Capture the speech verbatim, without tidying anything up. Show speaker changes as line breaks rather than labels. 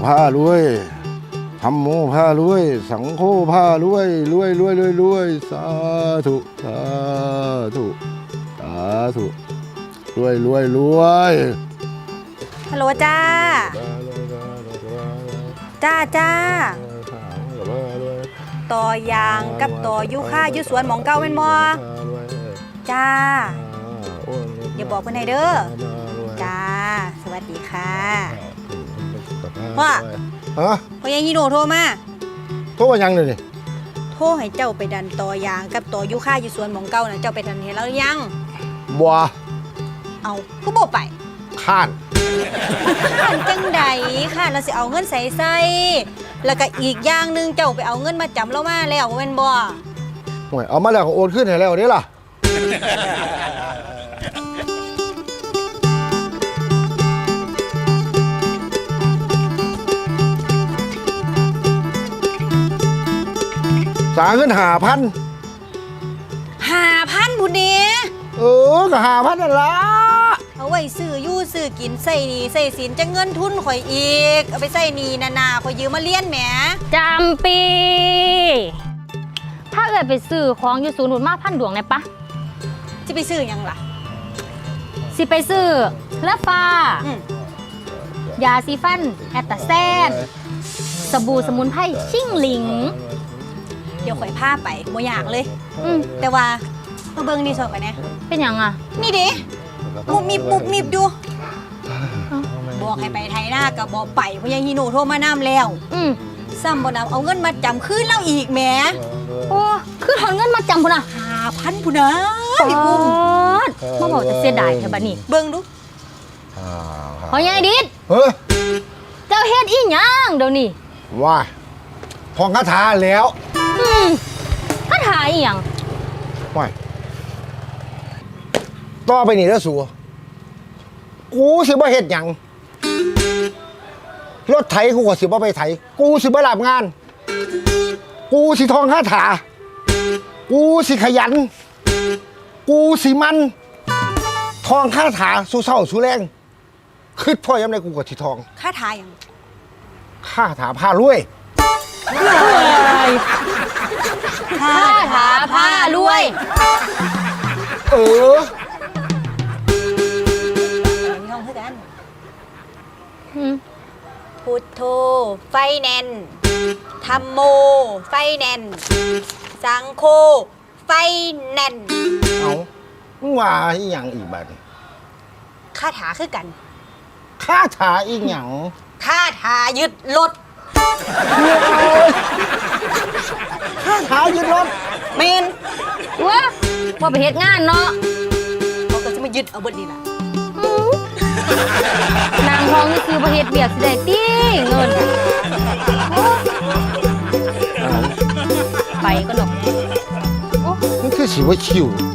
ผ้ารวยธรรมโมผ้ารวยสังโฆผ้ารวยรวยรวยรวยรวยสาธุสาธุสาธุรวยรวยรวย
ฮัลโหลจ้าจ้าจ้าต่อยางกับต่อยุค่ายุสวนหมองเก้าเป็นมอจ้าอย่าบอกเพื่อนให้เด้อจ้าสวัสดีค่ะว่า
ฮะ
พ่อยังฮีโน่โทรมา
โทรมายังเลยนี่
โทรให้เจ้าไปดันต่อยางกับต่อยุค่ายุสวนหมองเก้านะเจ้าไปดันเห็นแล้วยัง
บัว
เอาก็บอกไป
ข้าน
ข้านจังใดค่ะเราสิเอาเงินใส่ใส่แล้วก็อีกอย่างหนึ่งเจ้าไปเอาเงินมาจำเรามาแล้วเป็นบ่
ห่วยเอามาแล้วก็โอนขึ้นให้แล้วนี่ล่ะสาเงินหาพัน
หาพันบุญเดี
เออก็หาพันนั่นละ
เอาไว้ซื้อยู่ซื้อกินใส่นี่ใส่สินจะเงินทุนข่อยอีกเอาไปใส่นี่นานาข่อยยืมมาเลี้ยนแหม
จำปีถ้าเกิดไปซื้อของอยู่ศูนย์หนุนมาพันดวงเนี่ยปะ
จะไปซื้อยังล่ะ
สิไปซื้อเลฟ้ายาซีฟันแอตตาแซนสบู่สมุนไพรชิ่งหลิง
เดี๋ยวข่อยพาไปโมอยากเลยแต่ว่ามาเบิ้งนี่สอบไปนะ
เป็นยังอ่ะ
นี่ดิมุบมิบมุบมิบดูบอกให้ไปไทยหน้ากับบอกไปเพราะยังฮีโน่โทรมาน้ำแล้วซ้ำบ่นำเอาเงินมาจำคืนเราอีกแหม
โอ้คือถอนเงินมาจำพุ่นอ่ะ
ห้าพันพุ่นนะพี่ปุ้ม
มาบอกจะเสียดายแค่บัดนี้
เบิ้งดู
พอยายดิดเจ้าเฮ็ดอีหยังเดี๋ยวนี้
ว่าพองคาถาแล้ว
คาถาอีหยัง
ว่าต่อไปนี่แล้วสัวกูสิบ่เฮ็ดหยังรถไถกูก็สิบ่ไปไถกูสิบ่รับงานกูสิท่องคาถากูสิขยันกูสิมันท่องคาถาสู้เศร้าสู้แรงคิดพ่อยามใดกูก็สิท่อง
คาถาหยัง
คาถาพารวย
คาถาพารวย
เออ
ท่องเพื่อกันพุทโธไฟแนนธัมโมไฟแนนสังโฆไฟแนน
เอามึงว่าอีหยังอีกบัด
คาถาคือกัน
คาถาอีหยัง
คาถายึดรถ
คาถายึดรถ
เมน
ว้าว่าไปเฮ็ดงานเนาะ
เขาก็จะมายึดเอาเบิดนี่ล่ะ
นางทองนี่คือประเฮ็ดเบียกสิได้ตี้เงินไปก็ดอก
มันคือสิว่าชิว